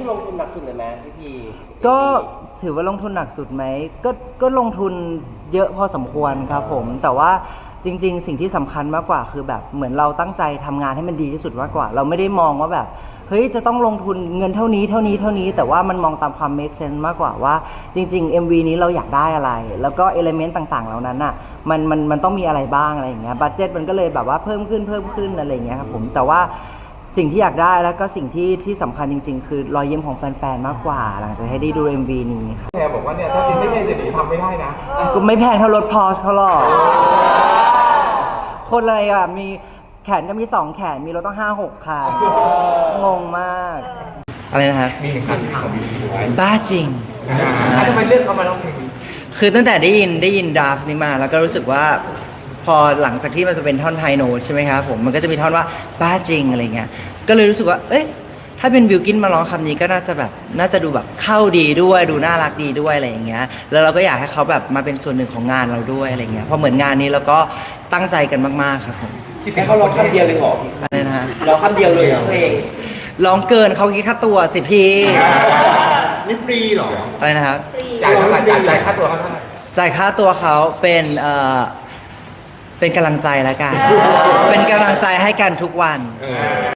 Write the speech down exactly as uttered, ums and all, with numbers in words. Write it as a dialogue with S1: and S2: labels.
S1: คือลงทุนหนักสุดเลยไหมพี่พี
S2: ก็ถือว่าลงทุนหนักสุดไหมก็ก็ลงทุนเยอะพอสมควรครับผมแต่ว่าจริงๆสิ่งที่สำคัญมากกว่าคือแบบเหมือนเราตั้งใจทำงานให้มันดีที่สุดมากกว่าเราไม่ได้มองว่าแบบเฮ้ยจะต้องลงทุนเงินเท่านี้เท่านี้เท่านี้แต่ว่ามันมองตามความ make sense มากกว่าว่าจริงๆ เอ็ม วี นี้เราอยากได้อะไรแล้วก็ element ต่างๆเหล่านั้นอ่ะมันมันมันต้องมีอะไรบ้างอะไรอย่างเงี้ยบัดเจ็ตมันก็เลยแบบว่าเพิ่มขึ้นเพิ่มขึ้นอะไรอย่างเงี้ยครับผมแต่ว่าสิ่งที่อยากได้แล้วก็สิ่งที่ที่สำคัญจริงๆคือรอยยิ้มของแฟนๆมากกว่าหลังจากให้ได้ดู เอ็ม วี นี้ครับ
S3: แกบอกว่าเนี่ยถ้าเป็นไม่ใช่เศรษฐีทำไม่ได้นะ
S2: ก็ไม่แพงเท่ารถพอร์ชเขาหรอกคนอะไรอ่ะมีแขนก็มีสองแขนมีรถต้องห้าหกคันงงมากอะไรนะครับ
S3: มีหนึ่งคันของบีบีไว้
S2: บ้าจริง
S3: ทำไมเลือกเขามาร้องเพลงนี้
S2: คือตั้งแต่ได้ยินได้ยินดราฟนี้มาแล้วก็รู้สึกว่าพอหลังจากที่มันจะเป็นท่อนไฮโน้ตใช่ไหมครับผมมันก็จะมีท่อนว่าบ้าจริงอะไรเงี้ยก็เลยรู้สึกว่าเอ๊ะถ้าเป็นบิลกินมาร้องคำนี้ก็น่าจะแบบน่าจะดูแบบเข้าดีด้วยดูน่ารักดีด้วยอะไรอย่างเงี้ยแล้วเราก็อยากให้เขาแบบมาเป็นส่วนหนึ่งของงานเราด้วยอะไรเงี้ยเพราะเหมือนงานนี้เราก็ตั้งใจกันมากๆครับผม
S1: แค่เขาร้องคำเดียวเลยเหรอ
S2: อะไรนะฮะ
S1: ร้องคำเดียวเลยเพลง
S2: ร้องเกินเขาคิดค่าตัวสิพี่
S3: นี่ฟรีเหรอ
S2: อะไรนะครับ
S3: จ่ายเท่าไหร่จ่ายค่าตัวเขาเท่าไหร่
S2: จ่ายค่าตัวเขาเป็นเอ่อเป็นกำลังใจแล้วกันเป็นกำลังใจให้กันทุกวัน